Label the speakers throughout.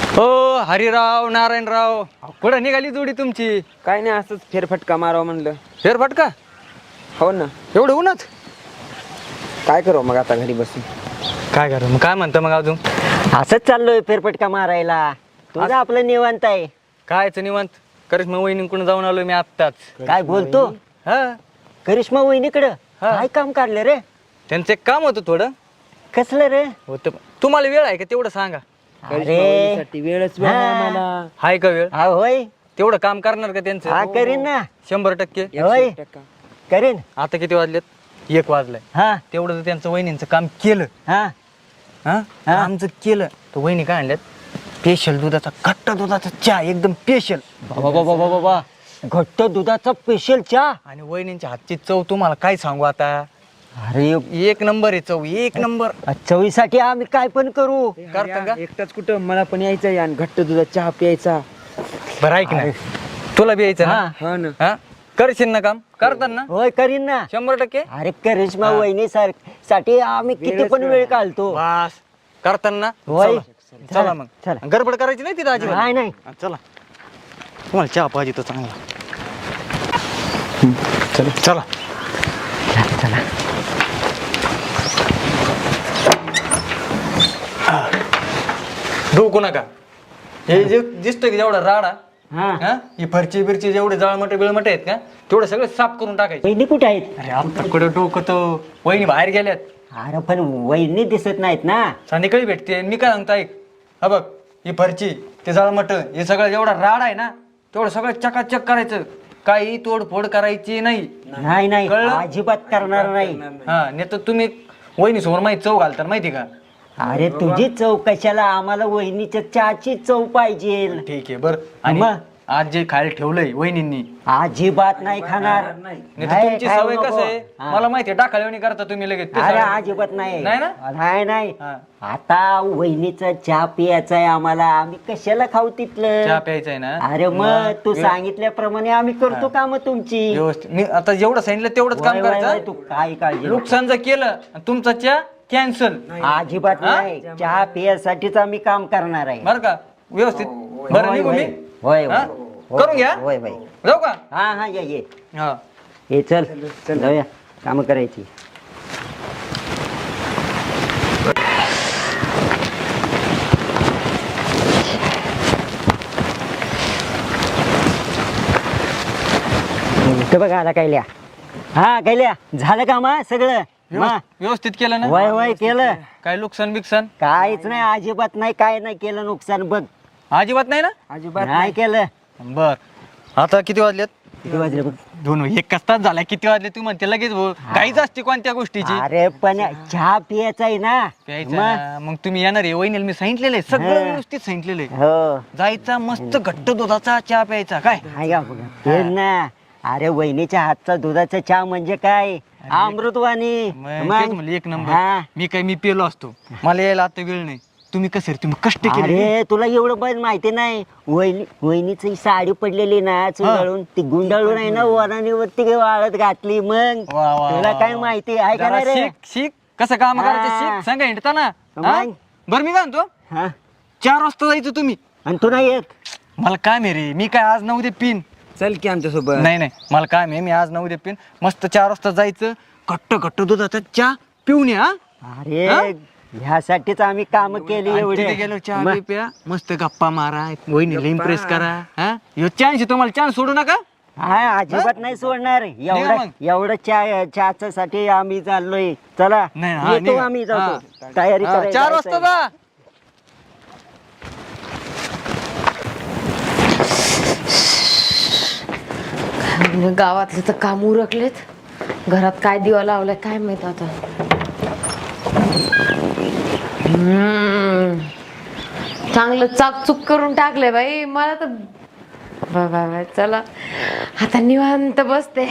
Speaker 1: हो हरिराव नारायणराव कुठं निघाली जोडी तुमची?
Speaker 2: काय नाही, असंच फेरफटका मारावं म्हणलं.
Speaker 1: फेरफटका?
Speaker 2: हो ना.
Speaker 1: एवढं उन्हात
Speaker 2: काय करू मग आता घरी बसून?
Speaker 1: काय करू मग? काय म्हणतं मग अजून?
Speaker 3: असंच चाललोय फेरफटका मारायला. तुझं आपलं निवांत आहे.
Speaker 1: कायचं निवांत? करिश्मा वहिनीकडून जाऊन आलोय मी आत्ताच.
Speaker 3: काय बोलतो?
Speaker 1: हा,
Speaker 3: करिश्मा वहिनीकडं
Speaker 1: हा.
Speaker 3: काय काम काढलं रे?
Speaker 1: त्यांचं एक काम होतं थोडं.
Speaker 3: कसलं रे?
Speaker 1: होतं. तुम्हाला वेळ आहे का तेवढं सांगा.
Speaker 3: अरे
Speaker 2: वेळच वेळ
Speaker 3: हा.
Speaker 2: नाही आम्हाला.
Speaker 1: हाय का वेळ?
Speaker 3: हा होय,
Speaker 1: तेवढं काम करणार का
Speaker 3: हा
Speaker 1: त्यांचं?
Speaker 3: करीन ना,
Speaker 1: 100%.
Speaker 3: होय
Speaker 2: 100%.
Speaker 3: करीन.
Speaker 1: आता किती वाजलेत? 1 वाजलाय.
Speaker 3: हा
Speaker 1: तेवढं तर त्यांचं वहिनींचं काम केलं.
Speaker 3: हा
Speaker 1: हा,
Speaker 3: हा.
Speaker 1: आमचं केलं तर वहिनी काय आणल्यात? स्पेशल दुधाचा घट्ट दुधाचा चहा, एकदम स्पेशल.
Speaker 3: बाबा बाबा बाबा बाबा, घट्ट दुधाचा स्पेशल चहा.
Speaker 1: आणि वहिनींच्या हातची चव तुम्हाला काय सांगू आता.
Speaker 3: अरे
Speaker 1: 1 नंबर आहे चव, 1 नंबर.
Speaker 3: चवीसाठी आम्ही काय पण करू.
Speaker 1: करता का?
Speaker 2: एकटाच कुठं, मला पण यायचंय आणि घट्ट दुधात चहा प्यायचा.
Speaker 1: बरं ऐक ना, तुला बी यायचं ना?
Speaker 2: हा ना.
Speaker 1: हा, करशील ना काम? करतात ना?
Speaker 3: होय करीन ना.
Speaker 1: 100%.
Speaker 3: अरे करिश्मा
Speaker 1: हा.
Speaker 3: वहिनी साठी आम्ही किती
Speaker 2: वेळच
Speaker 3: पण
Speaker 2: वेळ
Speaker 3: वेळ
Speaker 2: आहे.
Speaker 3: काढतो.
Speaker 1: बस करताना
Speaker 3: होय.
Speaker 1: चला मग.
Speaker 3: चला.
Speaker 1: गडबड करायची नाही तिथं अजिबात.
Speaker 3: नाही नाही.
Speaker 1: हा, चला. तुम्हाला चहा पाहिजे तर चांगला. चला चला.
Speaker 3: चला.
Speaker 1: डोकू नका. हे जे दिसतोय की जेवढा राडा,
Speaker 3: हा
Speaker 1: हा, ही फरची बिरची जेवढे जाळमटे बिळमटे आहेत का, तेवढे सगळे साफ करून टाकायचे.
Speaker 3: वहिनी कुठे आहेत?
Speaker 1: अरे आता कडे डोकं तो वहिनी बाहेर गेल्यात.
Speaker 3: अरे पण वहिनी दिसत नाहीत ना.
Speaker 1: संध्याकाळी भेटते. मी काय सांगतो ऐक, हा बघ, ही फरची, ते जाळमट, हे सगळं जेवढा राड आहे ना, तेवढं सगळं चकाचक करायचं. काही तोडफोड करायची नाही.
Speaker 3: नाही नाही,
Speaker 1: कळलं?
Speaker 3: अजिबात करणार नाही.
Speaker 1: हा, नाही तर तुम्ही वहिनी समोर माहिती चव घालता माहिती का?
Speaker 3: अरे तुझी चव कशाला, आम्हाला वहिनीच्या चहाची चव पाहिजे.
Speaker 1: ठीक आहे बरं. आणि
Speaker 3: मग?
Speaker 1: आज जे खायला ठेवलंय वहिनींनी,
Speaker 3: अजिबात नाही खाणार.
Speaker 1: नाही तर
Speaker 3: नाही,
Speaker 1: तुमची
Speaker 3: खाऊ
Speaker 1: सवय
Speaker 3: नको.
Speaker 1: कसं आहे
Speaker 3: हा.
Speaker 1: मला माहिती आहे, डाखाळवणी करता तुम्ही लगेच. ते
Speaker 3: अरे
Speaker 1: सगळं.
Speaker 3: अजिबात नाही.
Speaker 1: नाही ना?
Speaker 3: नाही नाही.
Speaker 1: हा.
Speaker 3: आता वहिनीचा चहा पियाचा आहे आम्हाला, आम्ही कशाला खाऊ
Speaker 1: चहा
Speaker 3: तिथलं.
Speaker 1: प्यायचा आहे ना?
Speaker 3: अरे मग तू सांगितल्याप्रमाणे आम्ही करतो काम तुमची.
Speaker 1: व्यवस्थित. मी आता जेवढं सांगितलं तेवढंच काम
Speaker 3: वय, वय, वय,
Speaker 1: करायचं.
Speaker 3: तू काय काळजी नको.
Speaker 1: नुकसान जर केलं आणि तुमचा चहा कॅन्सल,
Speaker 3: अजिबात
Speaker 1: हा?
Speaker 3: नाही, चहा पियासाठीच आम्ही काम करणार आहे.
Speaker 1: बरं का? व्यवस्थित. बरं
Speaker 3: होय,
Speaker 1: निघू मी?
Speaker 3: होय,
Speaker 1: हा?
Speaker 3: होय,
Speaker 1: करून घ्या.
Speaker 3: होय होय.
Speaker 1: जाऊ का?
Speaker 3: हा हा ये
Speaker 1: हा.
Speaker 3: ये चल जाऊया, काम करायची. ते बघ आला कैल्या. हा कैल्या, झालं काम हा सगळं?
Speaker 1: व्यवस्थित केलं ना?
Speaker 3: वय वय केलं.
Speaker 1: काय नुकसान बिकसान?
Speaker 3: काहीच नाही, अजिबात नाही, काय नाही केलं नुकसान बघ.
Speaker 1: अजिबात नाही ना?
Speaker 2: अजिबात
Speaker 3: नाही केलं.
Speaker 1: बर. आता किती वाजलेत?
Speaker 3: किती वाजले बघ?
Speaker 1: 2. 1 तास झाला. किती वाजले तू म्हणते लगेच भाऊ? काहीच असते कोणत्या गोष्टीची.
Speaker 3: अरे पण चहा पियाचा आहे ना.
Speaker 1: प्यायचं
Speaker 3: मग?
Speaker 1: ना. मग तुम्ही येणार आहे वहिनीला मी सांगितलेलं आहे, सगळं
Speaker 3: हा.
Speaker 1: व्यवस्थित सांगितलेलं आहे.
Speaker 3: हो
Speaker 1: जायचा मस्त घट्ट दुधाचा चहा प्यायचा. काय
Speaker 3: हाय का बघा. तेच ना. अरे वहिनीच्या हातचा दुधाचा चहा म्हणजे काय, अमृतवाणी.
Speaker 1: मग तेच म्हणलं, 1 नंबर.
Speaker 3: हा.
Speaker 1: मी पेलो असतो. मला यायला आता वेळ नाही. तुम्ही कसं रे, तुम्ही कष्ट केले.
Speaker 3: अरे तुला एवढं पण माहिती नाही, वहिनीची साडी पडलेली ना चुंगाळून, ती गुंडाळून आहे ना वराणीवरती वाळत घातली. मग
Speaker 1: वा, वा,
Speaker 3: तुला
Speaker 1: वा,
Speaker 3: काय
Speaker 1: वा.
Speaker 3: माहिती आहे का
Speaker 1: जरा
Speaker 3: नाही रे?
Speaker 1: शिक कसं काम करायचं,
Speaker 3: हा.
Speaker 1: शिक. सांगा हिंडता ना.
Speaker 3: मग?
Speaker 1: हा? बरं मी काय म्हणतो,
Speaker 3: हा
Speaker 1: 4 वाजता जायचं तुम्ही.
Speaker 3: आणि तू नाही येत?
Speaker 1: मला काम आहे रे, मी काय आज 9 उद्या पिन.
Speaker 2: चल की आमच्या सोबत.
Speaker 1: नाही मला काम आहे, मी आज 9 उद्या पिन. मस्त 4 वाजता जायचं, घट्ट दुधाचा चहा पिऊन या.
Speaker 3: अरे
Speaker 1: हा?
Speaker 3: ह्यासाठीच आम्ही काम केली
Speaker 1: आणि
Speaker 3: एवढे.
Speaker 1: तिथे गेलो चहा
Speaker 3: मग?
Speaker 1: बी प्या, मस्त गप्पा मारा, वहिनीला इम्प्रेस करा. हा, ह्यो चान्स तुम्हाला, चान्स सोडू नका.
Speaker 3: हा अजिबात नाही सोडणार.
Speaker 1: निघा मग.
Speaker 3: एवढं चहाच्या साठी आम्ही चाललोय. चला
Speaker 1: नाही, हा,
Speaker 3: येतो
Speaker 1: निघा.
Speaker 3: आम्ही,
Speaker 1: हा.
Speaker 3: जातो तयारी
Speaker 1: हा,
Speaker 3: करायला
Speaker 1: 4 वाजता
Speaker 3: जायचंय.
Speaker 1: जा.
Speaker 4: गावातले तर काम उरकलेत, घरात काय दिवा लावलाय काय माहित आता. चांगलं चाकचूक करून टाकले बाई मला तर. बाय चला आता निवांत बसते.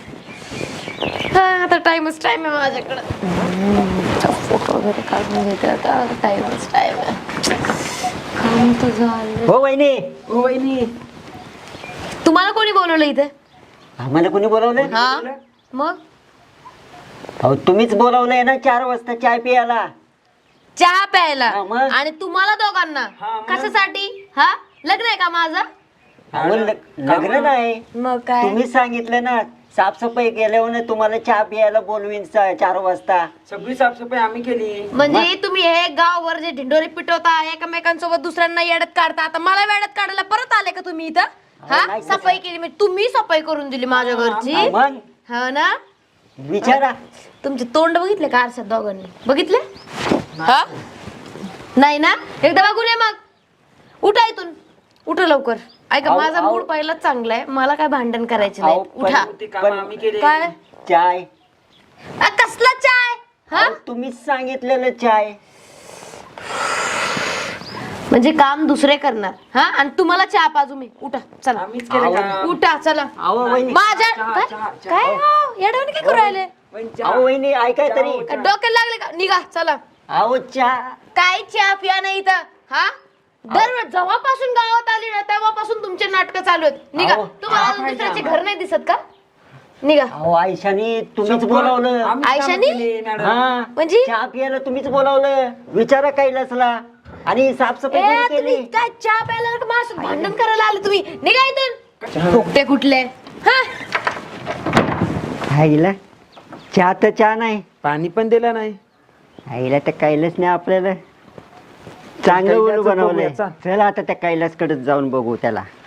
Speaker 4: आता टाइमच टाइम आहे माझ्याकडं. फोटो वगैरे काढून घेते आता, टाइमच टाइम आहे. काम तर झालं.
Speaker 3: हो वहिनी.
Speaker 4: हो वहिनी, तुम्हाला कोणी बोलवलं इथे?
Speaker 3: आम्हाला कोणी बोलावलं?
Speaker 4: हा मग
Speaker 3: अहो तुम्हीच बोलावलंय ना 4 वाजता चहा पियाला.
Speaker 4: चहा प्यायला
Speaker 3: हा, मग?
Speaker 4: आणि तुम्हाला दोघांना कशासाठी? हा, लग्न आहे का माझं?
Speaker 3: अहो, लग्न नाही,
Speaker 4: मग काय?
Speaker 3: तुम्हीच सांगितलं ना साफसफाई केल्यावर तुम्हाला चहा प्यायला बोलवीन 4 वाजता.
Speaker 2: सगळी साफसफाई आम्ही केली.
Speaker 4: म्हणजे तुम्ही हे गावभर जे ढिंडोरे पिटवता, एकमेकांसोबत दुसऱ्यांना येड्यात काढता, आता मला वेड्यात काढायला परत आले का तुम्ही इथं? हा,
Speaker 3: नाही
Speaker 4: सफाई केली म्हणजे तुम्ही सफाई करून दिली माझ्या घरची.
Speaker 3: मग
Speaker 4: हो ना?
Speaker 3: विचारा.
Speaker 4: तुमचे तोंड बघितले का आरशात दोघांनी? बघितले? हा, नाही ना? एकदा बघून ये मग. उठा इथून, उठा लवकर. ऐका,
Speaker 3: आहो,
Speaker 4: माझा
Speaker 3: आहो.
Speaker 4: मूड पहिलाच चांगला आहे, मला काय भांडण करायचे
Speaker 3: आहो,
Speaker 4: नाही. उठा.
Speaker 2: आम्ही केली.
Speaker 4: काय?
Speaker 3: चाय.
Speaker 4: कसला चाय? हा,
Speaker 3: अहो, तुम्हीच सांगितलेलं चाय.
Speaker 4: म्हणजे काम दुसरे करणार. हा, आणि तुम्हाला चहा पाजू मी. उठा चला,
Speaker 2: आम्हीच केलं काम.
Speaker 4: उठा चला.
Speaker 3: अहो वहिनी,
Speaker 4: माझ्या काय काय हो, येडवणी काय करू राहिले?
Speaker 3: अहो वहिनी ऐकाय तरी.
Speaker 4: काय डोक्याला लागले का? निघा चला.
Speaker 3: अहो चहा.
Speaker 4: काय चहा पिया नाही इथं? हा, दर जेव्हापासून गावात आली ना तेव्हापासून तुमचे नाटक चालू आहेत. निघा.
Speaker 3: अहो,
Speaker 4: तुम्हाला दुसऱ्याचे घर नाही दिसत का? निघा.
Speaker 3: अहो आयशानी तुम्हीच बोलावलं.
Speaker 4: आयशानी?
Speaker 3: हा,
Speaker 4: म्हणजे?
Speaker 3: चहा प्यायला तुम्हीच बोलावलं. विचारा कैलासला. आणि साफसफाई कोणी
Speaker 4: तुम्ही
Speaker 3: केली.
Speaker 4: काय चहा प्यायला का माझं भांडण करायला आले तुम्ही? निघा इथून. फुकटे कुठले? हा,
Speaker 3: आईला चहा तर चहा नाही,
Speaker 2: पाणी पण दिलं नाही.
Speaker 3: आईला तर कैलास नाही आपल्याला चांगलं उलू
Speaker 2: कैलासचं
Speaker 3: बनवलंय.
Speaker 2: बघूया, चल.
Speaker 3: चला आता त्या कैलासकडे जाऊन बघू त्याला.